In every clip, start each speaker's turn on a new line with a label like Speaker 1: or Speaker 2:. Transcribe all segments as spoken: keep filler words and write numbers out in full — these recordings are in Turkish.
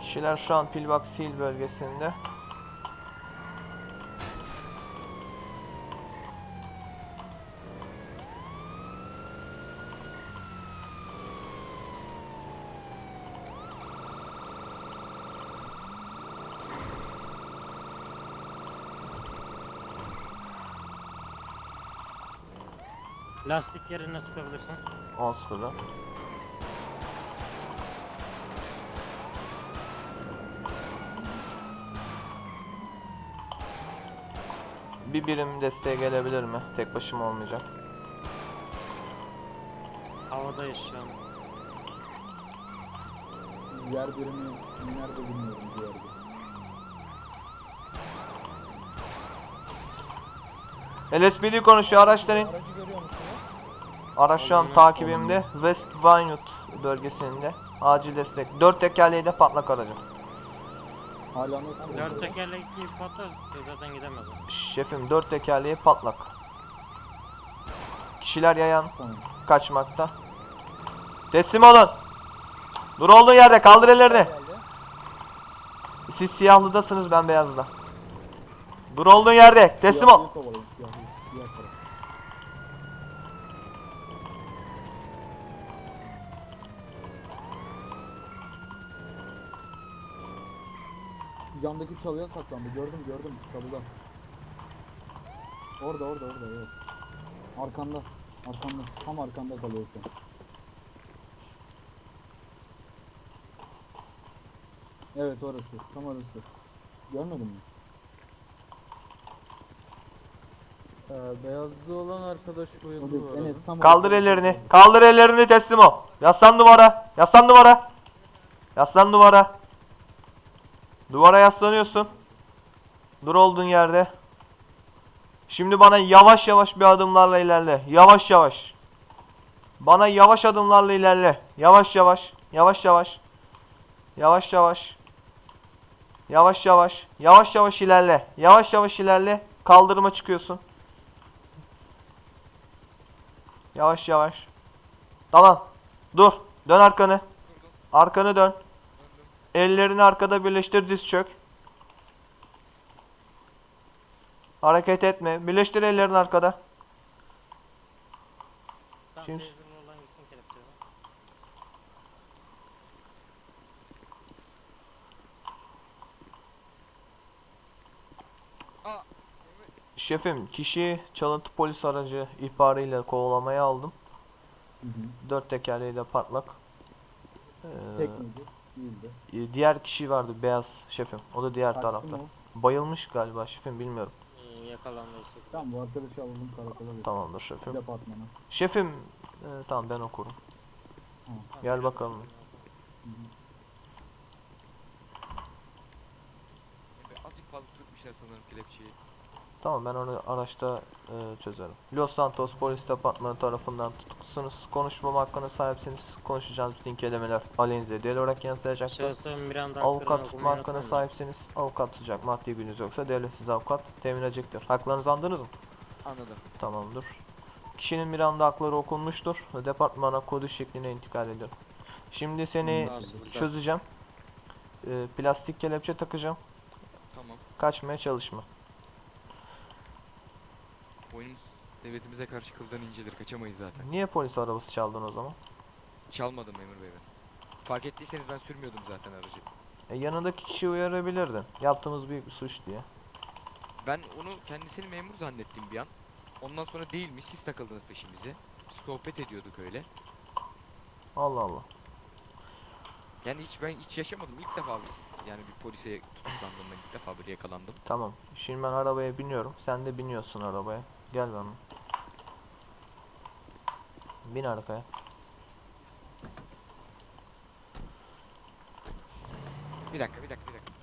Speaker 1: Kişiler şu an Pillbox Hill bölgesinde.
Speaker 2: Lastik yerine sıkabilirsin.
Speaker 1: on sıfırda. Bir birim desteğe gelebilir mi? Tek başıma olmayacak.
Speaker 2: Havadayız şu an.
Speaker 3: Yer birimi nerede bilmiyorum bir yerde.
Speaker 1: L S P D konuşuyor, araçların.
Speaker 4: Aracı görüyor musunuz?
Speaker 1: Araç şu an takibimde. West Vinewood bölgesinde. Acil destek. Dört tekerleği de patlak aracı.
Speaker 3: Hala nasıl?
Speaker 2: Dört tekerlekli patlar zaten gidemez.
Speaker 1: Şefim dört tekerleği patlak. Kişiler yayan
Speaker 3: Tamam.
Speaker 1: kaçmakta. Teslim olun. Dur olduğun yerde, kaldır ellerini.
Speaker 4: Geldi.
Speaker 1: Siz siyahlıdasınız, ben beyazda. Dur olduğun yerde, teslim ol.
Speaker 3: Siyahlıyı kovalayın, siyahlıyı. Siyah taraf. Yandaki çalıya saklandı. Gördüm gördüm çalıda. Orada orada orada evet. Arkanda. Arkanda. Tam arkanda kalıyor şu an. Evet orası. Tam orası. Görmedin mi?
Speaker 4: Ee, beyazlı olan arkadaş bayıldı bu
Speaker 3: Orada
Speaker 4: arada.
Speaker 3: Enes tam
Speaker 1: Kaldır
Speaker 3: orada.
Speaker 1: ellerini. Kaldır ellerini, teslim ol. Yaslan duvara. Yaslan duvara. Yaslan duvara. Duvara yaslanıyorsun. Dur olduğun yerde. Şimdi bana yavaş yavaş bir adımlarla ilerle. Yavaş yavaş. Bana yavaş adımlarla ilerle. Yavaş yavaş. Yavaş yavaş. Yavaş yavaş. Yavaş yavaş. Yavaş yavaş ilerle. Yavaş yavaş ilerle. Kaldırıma çıkıyorsun. Yavaş yavaş. Tamam. Dur. Dön arkanı. Arkanı dön. Ellerini arkada birleştir, diz çök. Hareket etme. Birleştir ellerini arkada.
Speaker 2: Tam
Speaker 1: Şimdi-
Speaker 2: teyzerli olan gitsin kelepçeye.
Speaker 1: Şefim, kişi çalıntı polis aracı ihbarıyla kovalamaya aldım.
Speaker 3: Hı hı.
Speaker 1: Dört tekerleği de patlak. Ee,
Speaker 3: Tek miydi? Değildi.
Speaker 1: e, diğer kişi vardı, beyaz şefim. O da diğer
Speaker 3: Kaçtı
Speaker 1: tarafta.
Speaker 3: mı o?
Speaker 1: Bayılmış galiba şefim, bilmiyorum.
Speaker 2: Ee, yakalandı.
Speaker 3: Tamam bu arkadaşı alalım karakola bir.
Speaker 1: Tamamdır şefim.
Speaker 3: Departmana.
Speaker 1: Şefim, e, tamam ben okurum.
Speaker 3: Tamam.
Speaker 1: Gel bakalım.
Speaker 3: Hı hı.
Speaker 5: Emre azıcık fazla sıkmışlar sanırım kelepçeyi.
Speaker 1: Tamam, ben onu araçta e, çözerim. Los Santos Polis Departmanı tarafından tutuklusunuz. Konuşmam hakkına sahipsiniz. Konuşacağınız bütün kelimeler aleyhinize delil olarak yansıyacaktır.
Speaker 2: Şahsın Miranda
Speaker 1: Avukat
Speaker 2: haklarını
Speaker 1: tutma
Speaker 2: okumayı
Speaker 1: hakkına
Speaker 2: unutmayın.
Speaker 1: sahipsiniz. Avukat tutacak maddi gününüz yoksa devlet size avukat temin edecektir. Haklarınızı andınız mı?
Speaker 5: Anladım.
Speaker 1: Tamamdır. Kişinin Miranda hakları okunmuştur. Departmana kodu şekline intikal ediyor. Şimdi seni
Speaker 2: Nasıl?
Speaker 1: çözeceğim. E, plastik kelepçe takacağım.
Speaker 5: Tamam.
Speaker 1: Kaçmaya çalışma.
Speaker 5: Oyunumuz devletimize karşı kıldan incedir. Kaçamayız zaten.
Speaker 1: Niye polis arabası çaldın o zaman?
Speaker 5: Çalmadım memur bey ben. Fark ettiyseniz ben sürmüyordum zaten aracı.
Speaker 1: E, yanındaki kişiyi uyarabilirdin. Yaptığımız büyük bir suç diye.
Speaker 5: Ben onu kendisini memur zannettim bir an. Ondan sonra değilmiş, siz takıldınız peşimize. Sohbet ediyorduk öyle.
Speaker 1: Allah Allah.
Speaker 5: Yani hiç ben hiç yaşamadım. İlk defa biz yani bir polise tutuklandığımda ilk defa böyle yakalandım.
Speaker 1: Tamam. Şimdi ben arabaya biniyorum. Sen de biniyorsun arabaya. Gel bana. Bin arkaya.
Speaker 5: Bir dakika, bir dakika, bir dakika.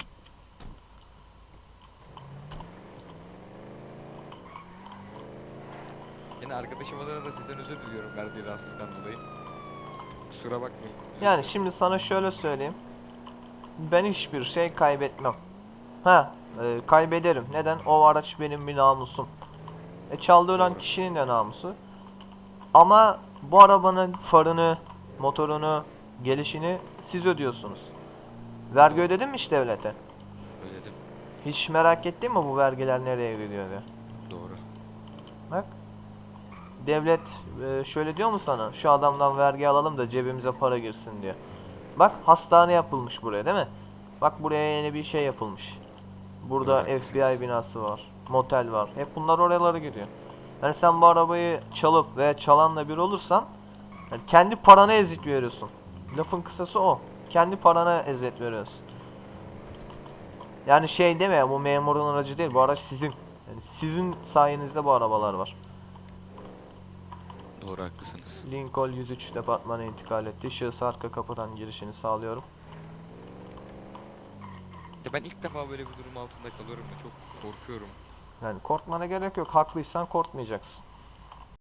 Speaker 5: Yine arkadaşım adına da sizden özür diliyorum verdiği rahatsızlıktan dolayı. Kusura bakmayın. Özür
Speaker 1: Yani
Speaker 5: dilerim.
Speaker 1: şimdi sana şöyle söyleyeyim. Ben hiçbir şey kaybetmem. Ha, e, kaybederim. Neden? O araç benim bir namusum. E, çaldı olan
Speaker 5: Doğru.
Speaker 1: kişinin de namusu. Ama bu arabanın farını, motorunu, gelişini siz ödüyorsunuz. Vergi
Speaker 5: Doğru.
Speaker 1: ödedin mi hiç devlete?
Speaker 5: Ödedim.
Speaker 1: Hiç merak ettin mi bu vergiler nereye gidiyor diye?
Speaker 5: Doğru.
Speaker 1: Bak. Devlet e, şöyle diyor mu sana? Şu adamdan vergi alalım da cebimize para girsin diyor. Bak hastane yapılmış buraya değil mi? Bak buraya yeni bir şey yapılmış. Burada
Speaker 5: Doğru,
Speaker 1: F B
Speaker 5: haklısınız.
Speaker 1: I binası var. Motel var. Hep bunlar oralara gidiyor. Yani sen bu arabayı çalıp veya çalanla bir olursan yani kendi parana eziyet veriyorsun. Lafın kısası o. Kendi parana eziyet veriyorsun. Yani şey deme ya, bu memurun aracı değil, bu araç sizin. Yani sizin sayenizde bu arabalar var.
Speaker 5: Doğru haklısınız.
Speaker 1: Lincoln yüz üç departmana intikal etti. Şahıs arka kapıdan girişini sağlıyorum.
Speaker 5: Ya ben ilk defa böyle bir durum altında kalıyorum da çok korkuyorum.
Speaker 1: Yani korkmana gerek yok. Haklıysan korkmayacaksın.